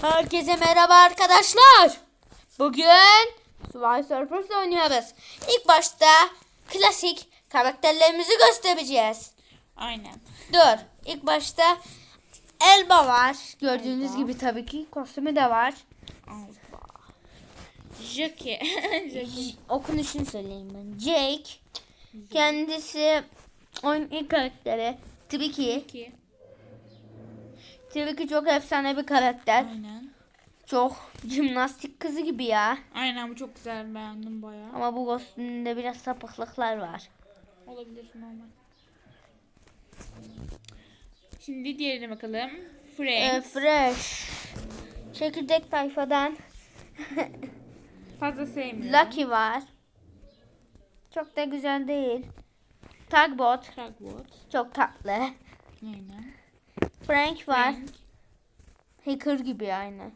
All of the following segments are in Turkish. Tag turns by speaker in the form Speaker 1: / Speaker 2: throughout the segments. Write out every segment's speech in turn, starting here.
Speaker 1: Herkese merhaba arkadaşlar. Bugün Subway Surfers oynuyoruz. İlk başta klasik karakterlerimizi göstereceğiz.
Speaker 2: Aynen.
Speaker 1: Dur. İlk başta Elba var. Gördüğünüz gibi tabii ki kostümü de var.
Speaker 2: Jackie.
Speaker 1: Okunuşunu söyleyeyim ben. Jake. Kendisi oyunun ilk karakteri. Tabii ki çok efsane bir karakter.
Speaker 2: Aynen.
Speaker 1: Çok jimnastik kızı gibi ya.
Speaker 2: Aynen, bu çok güzel, beğendim bayağı.
Speaker 1: Ama bu kostümünde biraz sapıklıklar var.
Speaker 2: Olabilir, normal. Şimdi diğerine bakalım. Frank.
Speaker 1: Fresh. Çekirdek tayfadan
Speaker 2: Fazla sevmiyorum.
Speaker 1: Lucky var. Çok da güzel değil. Tugboat.
Speaker 2: Tugboat.
Speaker 1: Çok tatlı.
Speaker 2: Aynen.
Speaker 1: Frank var.
Speaker 2: Frank.
Speaker 1: Hacker gibi aynı.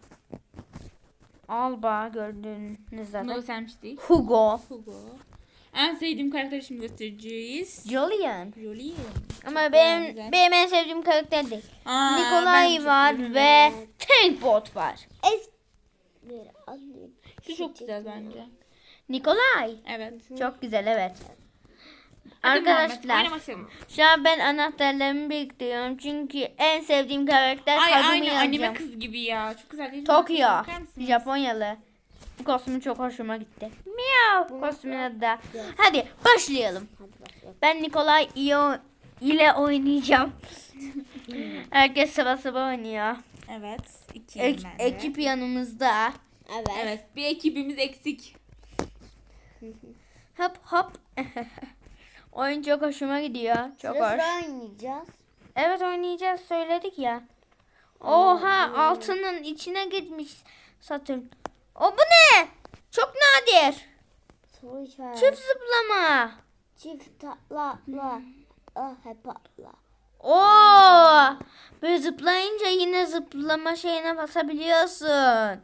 Speaker 1: Alba gördüğünüz zaten.
Speaker 2: No Samstick.
Speaker 1: Hugo.
Speaker 2: Hugo. En sevdiğim karakteri şimdi göstereceğiz.
Speaker 1: Julian.
Speaker 2: Julian.
Speaker 1: Ama
Speaker 2: Bayağı güzel.
Speaker 1: benim en sevdiğim karakter değil.
Speaker 2: Aa, ben
Speaker 1: Nikolay
Speaker 2: çok
Speaker 1: var
Speaker 2: seviyorum.
Speaker 1: ve Tankbot var.
Speaker 2: Şu çok güzel bence.
Speaker 1: Nikolay.
Speaker 2: Evet.
Speaker 1: Çok güzel, evet.
Speaker 2: Hadi Muhammed,
Speaker 1: Arkadaşlar
Speaker 2: oynamasın.
Speaker 1: şu an ben anahtarlarımı bekliyorum çünkü en sevdiğim karakter
Speaker 2: Ay,
Speaker 1: Kazumi
Speaker 2: aynı anime
Speaker 1: yazacağım.
Speaker 2: kız gibi ya. Çok güzel değil mi?
Speaker 1: Tokyo.
Speaker 2: Bakar mısınız?
Speaker 1: Japonyalı. Bu kostümü çok hoşuma gitti. Miau. Kostümün adı da. Hadi başlayalım. Ben Nikolay ile oynayacağım. Herkes sıra oynuyor.
Speaker 2: Evet. İki
Speaker 1: Ekip yanımızda.
Speaker 2: Evet. Bir ekibimiz eksik.
Speaker 1: Hop hop. Oyun çok hoşuma gidiyor. Çok hoş.
Speaker 3: oynayacağız.
Speaker 1: Evet, oynayacağız, söyledik ya. Oha, altının içine gitmiş Satürn. O bu ne? Çok nadir.
Speaker 3: Soru işareti.
Speaker 1: Çift zıplama.
Speaker 3: Çift tatla. Hep atla.
Speaker 1: Oo! Böyle zıplayınca yine zıplama şeyine basabiliyorsun.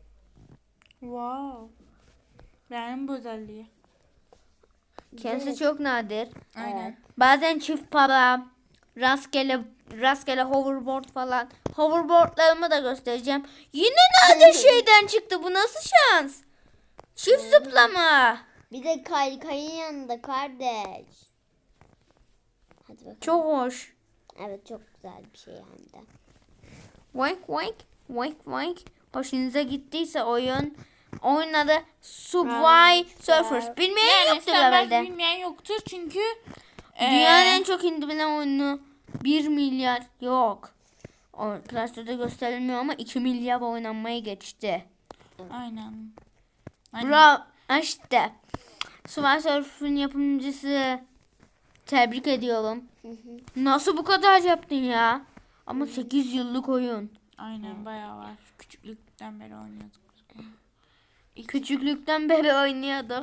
Speaker 2: Wow. Beğendim bu özelliği.
Speaker 1: Kendisi çok nadir.
Speaker 2: Aynen.
Speaker 1: Bazen çift para, rastgele hoverboard falan. Hoverboardlarımı da göstereceğim. Yine nadir şeyden çıktı. Bu nasıl şans? Çift zıplama.
Speaker 3: Bir de kaykayın yanında kardeş. Hadi bakalım.
Speaker 1: Çok hoş.
Speaker 3: Evet, çok güzel bir şey hem de.
Speaker 1: Wink wink. Wink wink. Hoşunuza gittiyse oyun adı Subway Surfers. Bilmeyen
Speaker 2: Yani
Speaker 1: yoktur
Speaker 2: sen belki
Speaker 1: herhalde.
Speaker 2: bilmeyen yoktur çünkü
Speaker 1: Dünyanın en çok indirilen oyunu 1 milyar yok. O klasörde gösterilmiyor ama 2 milyar oynanmaya geçti.
Speaker 2: Aynen.
Speaker 1: Bravo. İşte. Subway Surfers'ın yapımcısı. Tebrik ediyorum. Nasıl bu kadar yaptın ya? Ama 8 yıllık oyun.
Speaker 2: Aynen, bayağı var. Küçüklükten beri oynuyorduk.
Speaker 1: Küçüklükten beri oynuyorduk.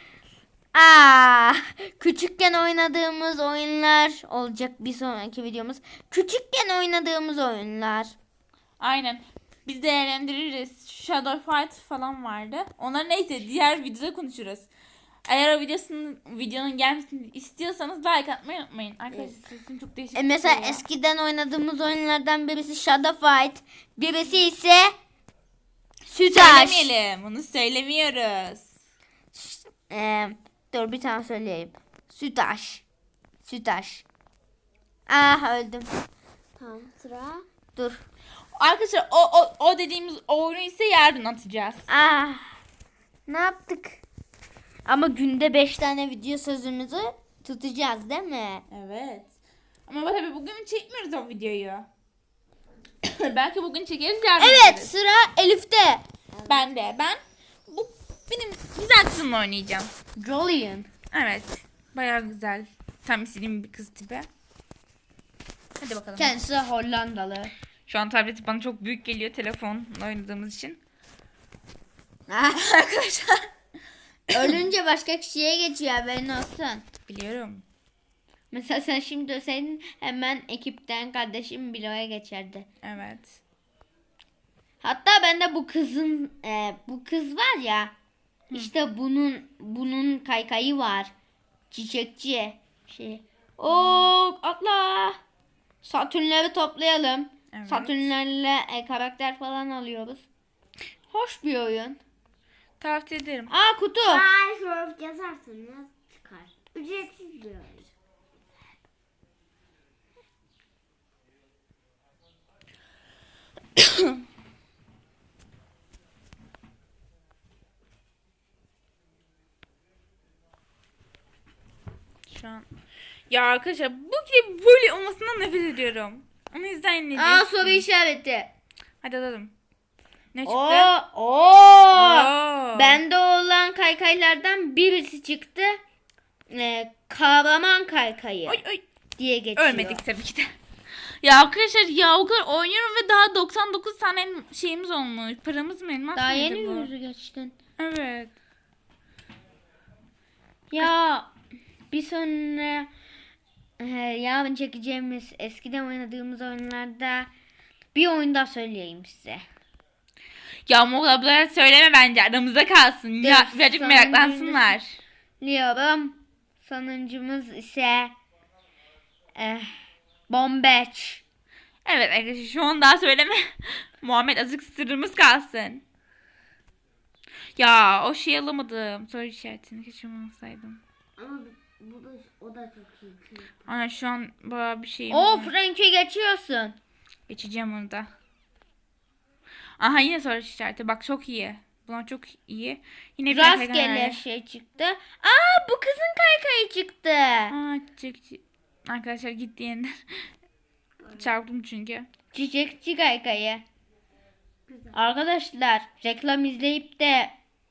Speaker 1: Küçükken oynadığımız oyunlar olacak bir sonraki videomuz. Küçükken oynadığımız oyunlar.
Speaker 2: Aynen. Biz değerlendiririz. Shadow Fight falan vardı. Onlar neyse, diğer videoda konuşuruz. Eğer o videonun gelmesini istiyorsanız like atmayı unutmayın. Arkadaşlar sesim çok değişik.
Speaker 1: Mesela
Speaker 2: çıkıyor.
Speaker 1: eskiden oynadığımız oyunlardan birisi Shadow Fight, birisi ise Sütaş.
Speaker 2: Söylemeyelim. Bunu söylemiyoruz.
Speaker 1: Dur bir tane söyleyeyim. Sütaş. Öldüm.
Speaker 3: Tamam, sıra.
Speaker 1: Dur.
Speaker 2: Arkadaşlar o dediğimiz oyunu ise yarın atacağız.
Speaker 1: Ne yaptık? Ama günde 5 tane video sözümüzü tutacağız değil mi?
Speaker 2: Evet. Ama tabii bugün çekmiyoruz o videoyu. Belki bugün çekeriz, yarın
Speaker 1: Evet,
Speaker 2: çekeriz.
Speaker 1: sıra Elif'te.
Speaker 2: Ben benim güzel kızımla oynayacağım.
Speaker 1: Julian.
Speaker 2: Evet. Bayağı güzel. Tam istediğim bir kız tipi. Hadi bakalım.
Speaker 1: Kendisi Hollandalı.
Speaker 2: Şu an tableti bana çok büyük geliyor telefonla oynadığımız için. Arkadaşlar.
Speaker 1: Ölünce başka kişiye geçiyor, haberin olsun.
Speaker 2: Biliyorum.
Speaker 1: Mesela sen şimdi ölseydin hemen ekipten kardeşim Bilo'ya geçerdi.
Speaker 2: Evet.
Speaker 1: Hatta ben de bu kız var ya. İşte bunun kaykayı var. Çiçekçi şey. Oo, atla. Satürnleri toplayalım.
Speaker 2: Evet.
Speaker 1: Satürnlerle karakter falan alıyoruz. Hoş bir oyun.
Speaker 2: Tavsiye ederim.
Speaker 1: Aa kutu.
Speaker 3: Minecraft yazarsanız çıkar. Ücretsiz bir oyun.
Speaker 2: Şu an. Ya arkadaşlar bu gibi böyle olmasından nefret ediyorum. Onu izleyin ne
Speaker 1: Aa soru işareti.
Speaker 2: Hadi alalım. Ne çıktı?
Speaker 1: Oo.
Speaker 2: Oo.
Speaker 1: Bende olan kaykaylardan birisi çıktı. Kahraman kaykayı
Speaker 2: Oy oy.
Speaker 1: diye geçiyor.
Speaker 2: Ölmedik tabii ki de. Ya arkadaşlar ya o kadar oynuyorum ve daha 99 tane şeyimiz olmuş. Paramız mı elmas
Speaker 1: Daha
Speaker 2: mıydı
Speaker 1: yeni
Speaker 2: bu?
Speaker 1: yüzü geçtin.
Speaker 2: Evet.
Speaker 1: Ya bir sonra yarın çekeceğimiz eskiden oynadığımız oyunlarda bir oyun daha söyleyeyim size.
Speaker 2: Ya Muğla'lara söyleme bence aramızda kalsın. Ya
Speaker 1: Dur,
Speaker 2: birazcık
Speaker 1: sonra
Speaker 2: meraklansınlar.
Speaker 1: Diyorum. Sonuncumuz ise Bombeç.
Speaker 2: Evet arkadaşlar şu an daha söyleme. Muhammed azıcık sırrımız kalsın. Ya o şeyi alamadım. Soru işaretini keşke alsaydım.
Speaker 3: Ama bu da o da çok iyi.
Speaker 2: Ana şu an bayağı bir şeyim
Speaker 1: O
Speaker 2: var.
Speaker 1: Frank'e geçiyorsun.
Speaker 2: Geçeceğim onu da. Aha yine soru işareti. Bak çok iyi. Bunlar çok iyi. Yine bir
Speaker 1: Rastgele şey çıktı. Aa bu kızın kaykayı çıktı.
Speaker 2: Aa çiçekçi. Arkadaşlar gitti yeniden. Çarptım çünkü.
Speaker 1: Çiçekçi kaykayı. Arkadaşlar reklam izleyip de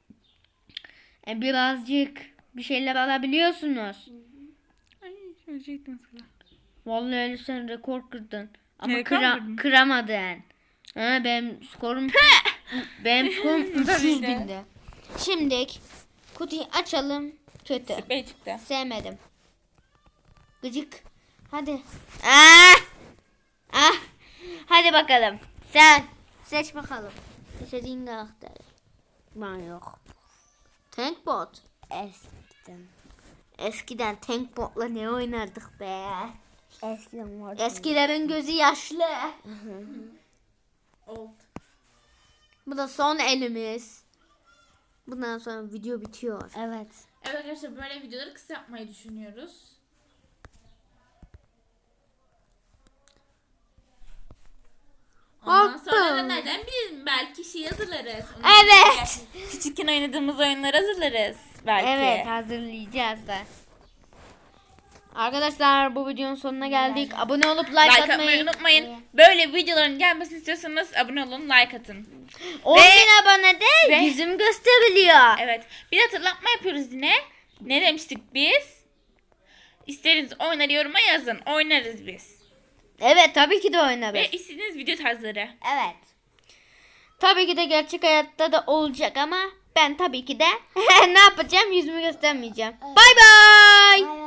Speaker 1: birazcık bir şeyler alabiliyorsunuz.
Speaker 2: Ay söyleyecektim sana.
Speaker 1: Vallahi öyle sen rekor kırdın. Ama
Speaker 2: Rekor mu kırdın?
Speaker 1: kıramadın. Ha, benim skorum 300 binde. Şimdi kutuyu açalım. Kötü.
Speaker 2: Sprey çıktı.
Speaker 1: Sevmedim. Gıcık. Hadi. Ah! Ah! Hadi bakalım. Sen seç bakalım. İstediğin karakteri. Ben yok. Tankbot. Eskiden Tankbot'la ne oynardık be?
Speaker 3: Eskiden var.
Speaker 1: Eskilerin gözü yaşlı.
Speaker 2: Old.
Speaker 1: Bu da son elimiz. Bundan sonra video bitiyor.
Speaker 3: Evet.
Speaker 2: Evet arkadaşlar böyle videoları kısa yapmayı düşünüyoruz. Ondan sonra da neden biliriz belki şey hazırlarız.
Speaker 1: Evet.
Speaker 2: Küçükken oynadığımız oyunları hazırlarız belki.
Speaker 1: Evet hazırlayacağız da. Arkadaşlar bu videonun sonuna geldik. Abone olup like,
Speaker 2: Like
Speaker 1: atmayı
Speaker 2: atmayı unutmayın. Böyle videoların gelmesini istiyorsanız abone olun, like atın.
Speaker 1: 10.000 abone de
Speaker 2: ve-
Speaker 1: yüzüm gösteriliyor.
Speaker 2: Evet. Bir hatırlatma yapıyoruz yine. Ne demiştik biz? İsteriniz oyunları yoruma yazın. Oynarız biz.
Speaker 1: Evet tabii ki de oynarız.
Speaker 2: Ve istediğiniz video tarzları.
Speaker 1: Evet. Tabii ki de gerçek hayatta da olacak ama ben tabii ki de ne yapacağım yüzümü göstermeyeceğim. Bay bay.
Speaker 3: Bay